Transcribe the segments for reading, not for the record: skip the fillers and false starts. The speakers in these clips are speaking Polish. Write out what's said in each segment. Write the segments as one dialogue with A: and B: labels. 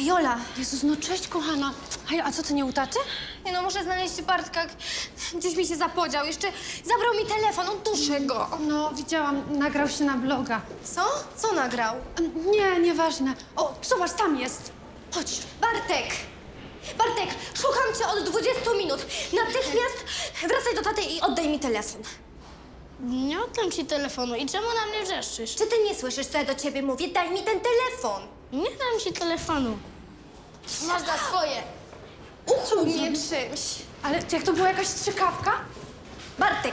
A: Jola!
B: Jezus, no cześć, kochana. Hej, a co, ty nie u taty?
A: Nie no, muszę znaleźć Bartka. Gdzieś mi się zapodział. Jeszcze zabrał mi telefon, uduszę go.
B: No, widziałam, nagrał się na vloga.
A: Co? Co nagrał?
B: Nie, nieważne. O, zobacz, tam jest. Chodź.
A: Bartek! Bartek, szukam cię od 20 minut. Natychmiast wracaj do taty i oddaj mi telefon.
C: Nie oddam ci telefonu. I czemu na mnie wrzeszczysz?
A: Czy ty nie słyszysz, co ja do ciebie mówię? Daj mi ten telefon.
C: Nie dam ci telefonu. Masz za swoje.
A: Ukłuł mnie czymś.
B: Ale jak to była jakaś strzykawka?
A: Bartek!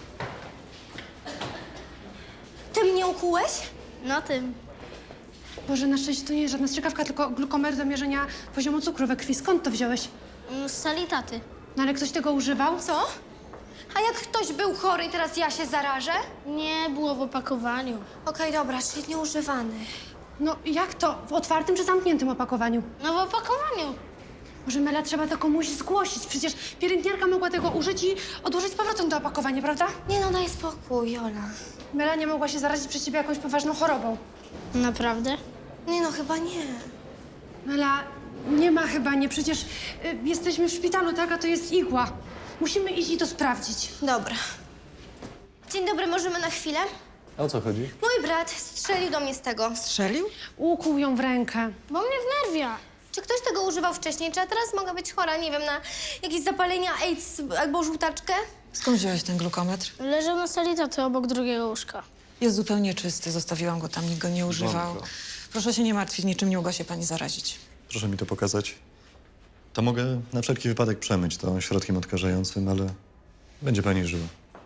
A: Ty mnie ukułeś?
C: No tym.
B: Boże, na szczęście to nie jest żadna strzykawka, tylko glukometr do mierzenia poziomu cukru we krwi. Skąd to wziąłeś?
C: Z sali taty.
B: No ale ktoś tego używał?
A: Co? A jak ktoś był chory i teraz ja się zarażę?
C: Nie było w opakowaniu.
A: Okej, dobra, czyli nieużywany.
B: No jak to? W otwartym czy zamkniętym opakowaniu?
C: No w opakowaniu.
B: Może Mela, trzeba to komuś zgłosić. Przecież pielęgniarka mogła tego użyć i odłożyć z powrotem do opakowania, prawda?
A: Nie no, daj spokój, Jola.
B: Mela nie mogła się zarazić przez ciebie jakąś poważną chorobą.
C: Naprawdę?
A: Nie no, chyba nie.
B: Mela, nie ma chyba nie. Przecież jesteśmy w szpitalu, tak? A to jest igła. Musimy iść i to sprawdzić.
A: Dobra. Dzień dobry, możemy na chwilę?
D: A o co chodzi?
A: Mój brat strzelił do mnie z tego.
E: Strzelił?
B: Ukłuł ją w rękę.
C: Bo mnie wnerwia.
A: Czy ktoś tego używał wcześniej? Czy ja teraz mogę być chora, nie wiem, na jakieś zapalenia AIDS albo żółtaczkę?
E: Skąd wziąłeś ten glukometr?
C: Leżał na sali taty obok drugiego łóżka.
E: Jest zupełnie czysty, zostawiłam go tam, nikt go nie używał.
D: Błąka.
E: Proszę się nie martwić, niczym nie mogła się pani zarazić.
D: Proszę mi to pokazać. To mogę na wszelki wypadek przemyć to środkiem odkażającym, ale będzie pani żyła.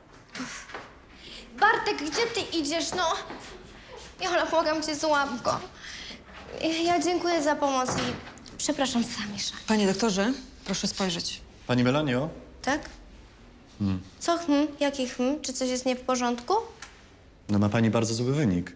A: Bartek, gdzie ty idziesz, no? Jola, błagam cię, złap go. Ja dziękuję za pomoc i przepraszam Samisza.
E: Panie doktorze, proszę spojrzeć.
D: Pani Melanio?
A: Tak? Co Jaki Czy coś jest nie w porządku?
D: No ma pani bardzo zły wynik.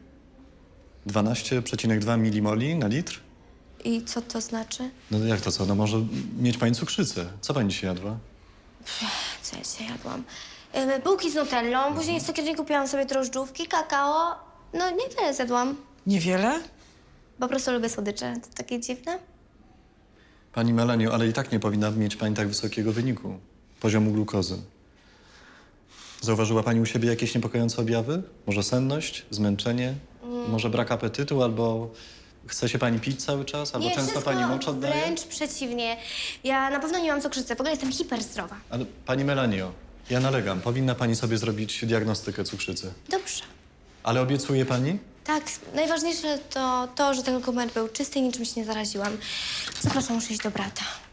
D: 12,2 milimoli na litr?
A: I co to znaczy?
D: No jak to co? No może mieć pani cukrzycę. Co pani dzisiaj jadła?
A: Co ja dzisiaj jadłam? Bułki z nutellą, później w cukierni kupiłam sobie drożdżówki, kakao. No niewiele zjadłam.
E: Niewiele?
A: Po prostu lubię słodycze. To takie dziwne.
D: Pani Melanio, ale i tak nie powinna mieć pani tak wysokiego wyniku. Poziomu glukozy. Zauważyła pani u siebie jakieś niepokojące objawy? Może senność, zmęczenie? Może brak apetytu albo chce się pani pić cały czas? Albo
A: Nie,
D: często
A: wszystko
D: pani mocz oddaje?
A: wręcz przeciwnie. Ja na pewno nie mam cukrzycy. W ogóle jestem hiperzdrowa.
D: Ale pani Melanio, ja nalegam. Powinna pani sobie zrobić diagnostykę cukrzycy.
A: Dobrze.
D: Ale obiecuje pani?
A: Tak, najważniejsze to, że ten dokument był czysty i niczym się nie zaraziłam. Zapraszam, muszę iść do brata.